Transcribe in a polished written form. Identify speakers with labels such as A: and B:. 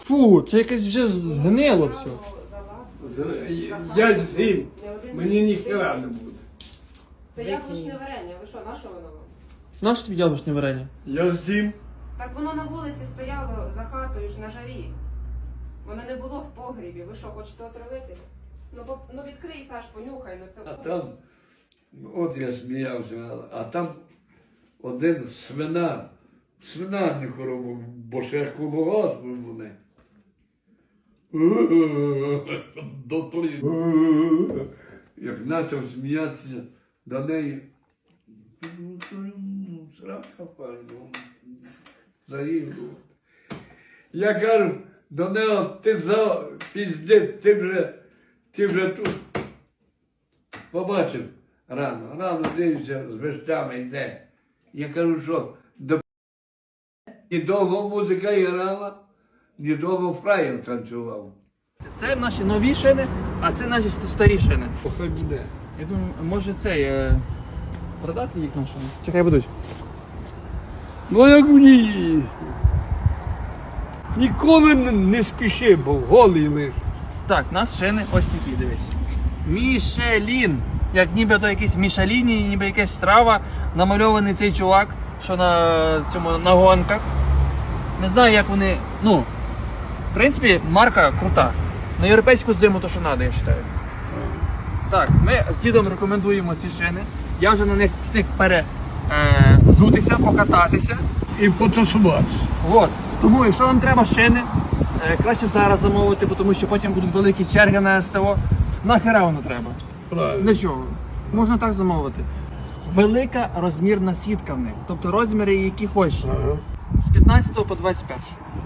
A: Фу, це якесь вже згнило все.
B: Я з'їм, мені ніхера не буде.
C: Це яблучне варення. Ви що, на що воно вам?
A: Наше тобі яблучне варення?
B: Я з'їм.
C: Так воно на вулиці стояло за хатою ж на жарі. Воно не було в погрібі. Ви що, хочете отравити? Ну відкрий, Саш, понюхай, ну це.
B: А там, от я сміявся, а там один свинарник робив, бо ще колгосп вони. Як почав сміятися до неї, срака пальну, заїду. Я кажу до нього, ти за піздець, ти вже тут. Побачив рано дивився, з вещами йде. Я кажу, що до недовго музика грала, недовго фраєр танцював.
A: Це наші нові шини, а це наші старі шини.
B: Хай буде.
A: Я думаю, може цей продати їх на шини? Чекай будуть.
B: Ну як мені. Ніколи не спіши, бо голий лиш.
A: Так, у нас шини ось такі, дивись. Мішелін. Як ніби то якийсь Мішеліні, ніби якась страва. Намальований цей чувак, що на гонках. Не знаю, як вони. Ну, в принципі, марка крута. На європейську зиму то, що треба, я вважаю. Так, ми з дідом рекомендуємо ці шини. Я вже на них встиг перезутися, покататися.
B: І потусуватися.
A: От. Тому, якщо вам треба шини, краще зараз замовити, тому що потім будуть великі черги на СТО. Нахера воно треба?
B: Правильно.
A: Для чого? Можна так замовити. Велика розмірна сітка в них. Тобто розміри, які хочеш.
B: Ага.
A: З 15 по 21.